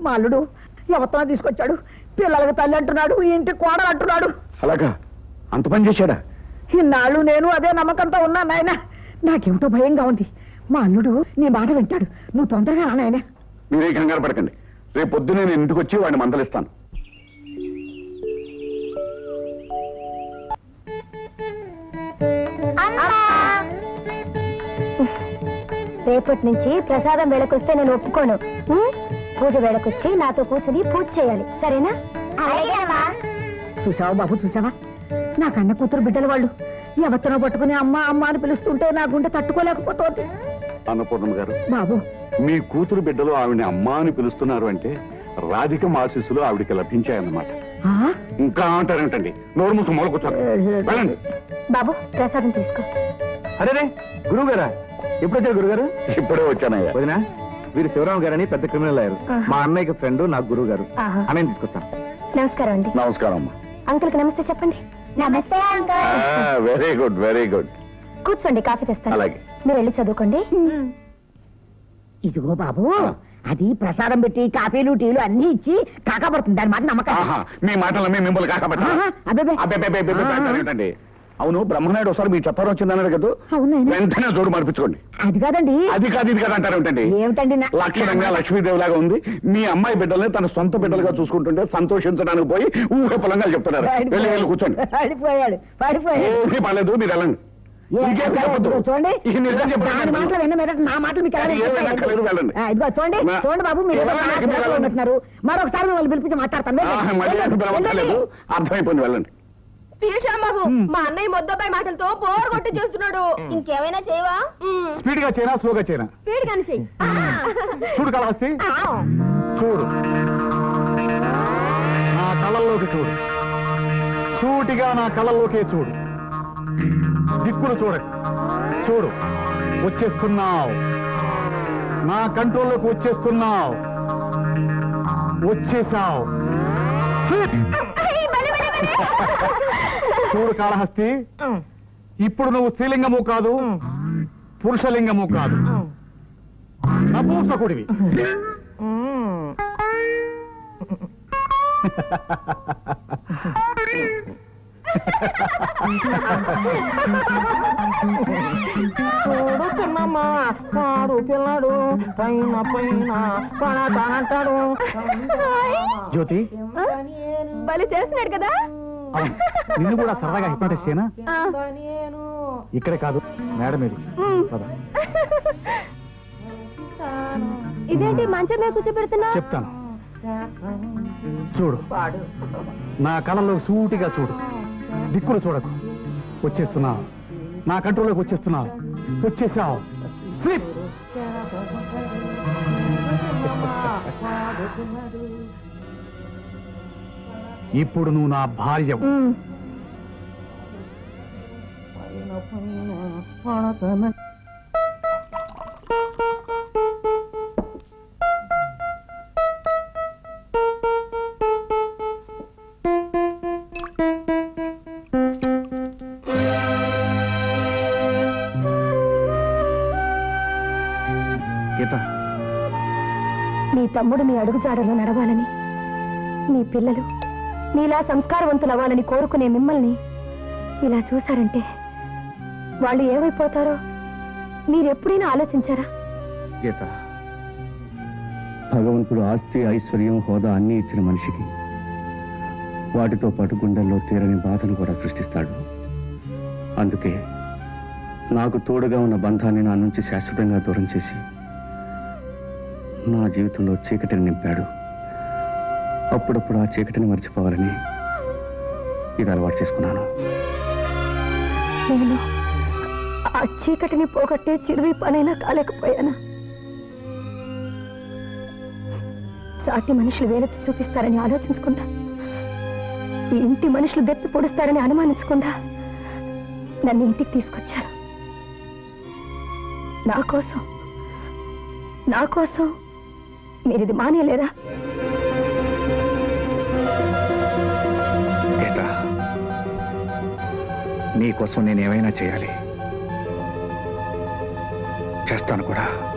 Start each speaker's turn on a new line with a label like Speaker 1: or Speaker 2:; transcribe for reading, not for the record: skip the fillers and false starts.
Speaker 1: మా అల్లుడు ఎవరితో తీసుకొచ్చాడు, పిల్లలకి తల్లి అంటున్నాడు, ఇంటి కోడలు అంటున్నాడు.
Speaker 2: అలాగా? అంత పని చేశాడా?
Speaker 1: ఇన్నాళ్ళు నేను అదే నమ్మకంతో ఉన్నా నాయన. నాకేమిటో భయంగా ఉంది. మా అల్లుడు నీ మాట వింటాడు, నువ్వు తొందరగా రా నాయన.
Speaker 2: మీరే కంగారు పడకండి, రేపు పొద్దునే నేను ఇంటికి వచ్చి వాడిని మందలిస్తాను.
Speaker 3: రేపటి నుంచి ప్రసాదం వేళకొస్తే నేను ఒప్పుకోను. పూజ వేళకొచ్చి నాతో కూర్చుని పూజ చేయాలి, సరేనా?
Speaker 1: చూసావా బాబు, చూసావా? నా కన్న కూతురు బిడ్డల వాళ్ళు ఎవరినో పట్టుకుని అమ్మ అమ్మ అని పిలుస్తుంటే నా గుండె తట్టుకోలేకపోతుంది.
Speaker 2: అన్నపూర్ణమ్మ గారు,
Speaker 1: బాబు
Speaker 2: మీ కూతురు బిడ్డలు ఆవిడని అమ్మ అని పిలుస్తున్నారు అంటే రాధిక ఆశీస్సులు ఆవిడికి లభించాయన్నమాట. ఇంకా అంటారేంటండి? నోరు మూసు మొదలు కూర్చోండి, వెళ్ళండి.
Speaker 3: బాబు ప్రసాదం తీసుకో.
Speaker 4: అరే గురువు గారా, ఎప్పుడు వచ్చారు గురుగారు?
Speaker 2: ఇప్పుడే వచ్చానయ్యా.
Speaker 4: వదినా, వీరు శివరాం గారని పెద్ద క్రిమినల్ అయ్యారు. మా అన్నయ్యకి ఫ్రెండ్, నాకు గురువు గారు. అన్నయ్య తీసుకొస్తాను.
Speaker 3: నమస్కారం అండి.
Speaker 2: నమస్కారం అమ్మా.
Speaker 3: అంకుల్ కి నమస్తే చెప్పండి. నమస్తే uncle.
Speaker 2: Very good, very good.
Speaker 3: కూర్చోండి, కాఫీ తెస్తాను.
Speaker 2: అలాగే.
Speaker 3: మీరు వెళ్ళి చదువుకోండి.
Speaker 1: ఇదిగో బాబు, అది ప్రసాదం పెట్టి కాఫీలు టీలు అన్ని ఇచ్చి కాకపడుతుంది, దాని మాట నమ్మకం.
Speaker 2: మీ మాటలు మిమ్మల్ని కాకపట్టండి. అవును, బ్రహ్మనాయుడు ఒకసారి మీ చెప్పారు వచ్చిందన్నారు కదా, వెంటనే జోడు మార్పించుకోండి.
Speaker 1: అది కాదండి.
Speaker 2: అది కాదు ఇది కాదు అంటారు ఏంటండి?
Speaker 1: ఏమిటండి?
Speaker 2: లక్షణంగా లక్ష్మీదేవి లాగా ఉంది. మీ అమ్మాయి బిడ్డల్ని తన సొంత బిడ్డలుగా చూసుకుంటుంటే సంతోషించడానికి పోయి ఊహ పొలంగా చెప్తున్నారు. వెళ్ళి వెళ్ళి కూర్చోండి.
Speaker 1: పడిపోయాడు.
Speaker 2: ఏమీ పర్లేదు, మీరు వెళ్ళండి.
Speaker 1: చూడండి, నా మాటలు మీకు
Speaker 2: వెళ్ళండి.
Speaker 1: ఇదిగో చూడండి, చూడండి బాబు, మీరు ఉంటున్నారు. మరొకసారి మిమ్మల్ని పిలిపించి మాట్లాడతాను.
Speaker 2: అర్థమైపోయింది, వెళ్ళండి.
Speaker 5: బాబు, మా అన్నయ్య మొద్దపై మాటలతో బోర్ కొట్టి చేస్తున్నాడు. ఇంకేమైనా చేయవా?
Speaker 4: స్పీడ్ గా చేయనా, స్లోగా చేయనా?
Speaker 5: స్పీడ్ గాని చెయ్యి.
Speaker 4: చూడు కళహస్తి, చూడు, నా కళ్ళల్లోకి చూడు, సూటిగా నా కళ్ళల్లోకే చూడు, దిక్కులు చూడకు. చూడు, వచ్చేస్తున్నావు, నా కంట్రోల్లోకి వచ్చేస్తున్నావు, వచ్చేసావు. చూడు కాళహస్తి, ఇప్పుడు నువ్వు స్త్రీలింగము కాదు, పురుషలింగము కాదు, నపూంసకుడివి.
Speaker 1: చూడు చిన్నమ్మ, వాడు పిల్లడు పైన పైన పడతానంటాడు.
Speaker 4: జ్యోతి,
Speaker 5: బలి చేస్తున్నాడు కదా.
Speaker 4: నిన్ను కూడా సరదాగా హిప్నటైజ్ చేయనా? ఇక్కడే కాదు, మేడం ఇది.
Speaker 3: ఇదేంటి మంచం మీద కూర్చోబెడుతున్నా?
Speaker 4: చెప్తాను, చూడు, నా కళ్ళలో సూటిగా చూడు, దిక్కులు చూడకు. వచ్చేస్తున్నావు, నా కంట్రోల్లోకి వచ్చేస్తున్నావు, వచ్చేసావు. స్లీప్. ఇప్పుడు నువ్వు నా భార్య.
Speaker 3: నీ తమ్ముడు మీ అడుగుజాడలో నడవాలని, నీ పిల్లలు నీలా సంస్కారవంతులవ్వాలని కోరుకునే మిమ్మల్ని ఇలా చూశారంటే వాళ్ళు ఏమైపోతారో మీరెప్పుడైనా ఆలోచించారా?
Speaker 6: గీత, భగవంతుడు ఆస్తి, ఐశ్వర్యం, హోదా అన్నీ ఇచ్చిన మనిషికి వాటితో పాటు గుండెల్లో తీరని బాధను కూడా సృష్టిస్తాడు. అందుకే నాకు తోడుగా ఉన్న బంధాన్ని నా నుంచి శాశ్వతంగా దూరం చేసి నా జీవితంలో చీకటిని నింపాడు. అప్పుడప్పుడు ఆ చీకటిని మర్చిపోవాలని ఇది అలవాటు చేసుకున్నాను.
Speaker 3: నేను ఆ చీకటిని పోగొట్టే చిరువి పనైనా కాలేకపోయాను. సాటి మనుషులు వేలెత్తి చూపిస్తారని ఆలోచించకుండా, ఈ ఇంటి మనుషులు దెప్పి పొడుస్తారని అనుమానించకుండా నన్ను ఇంటికి తీసుకొచ్చారు. నా కోసం మీరు ఇది మానేయలేరా?
Speaker 6: నీ కోసం నేనేమైనా చేయాలి, చేస్తాను కూడా.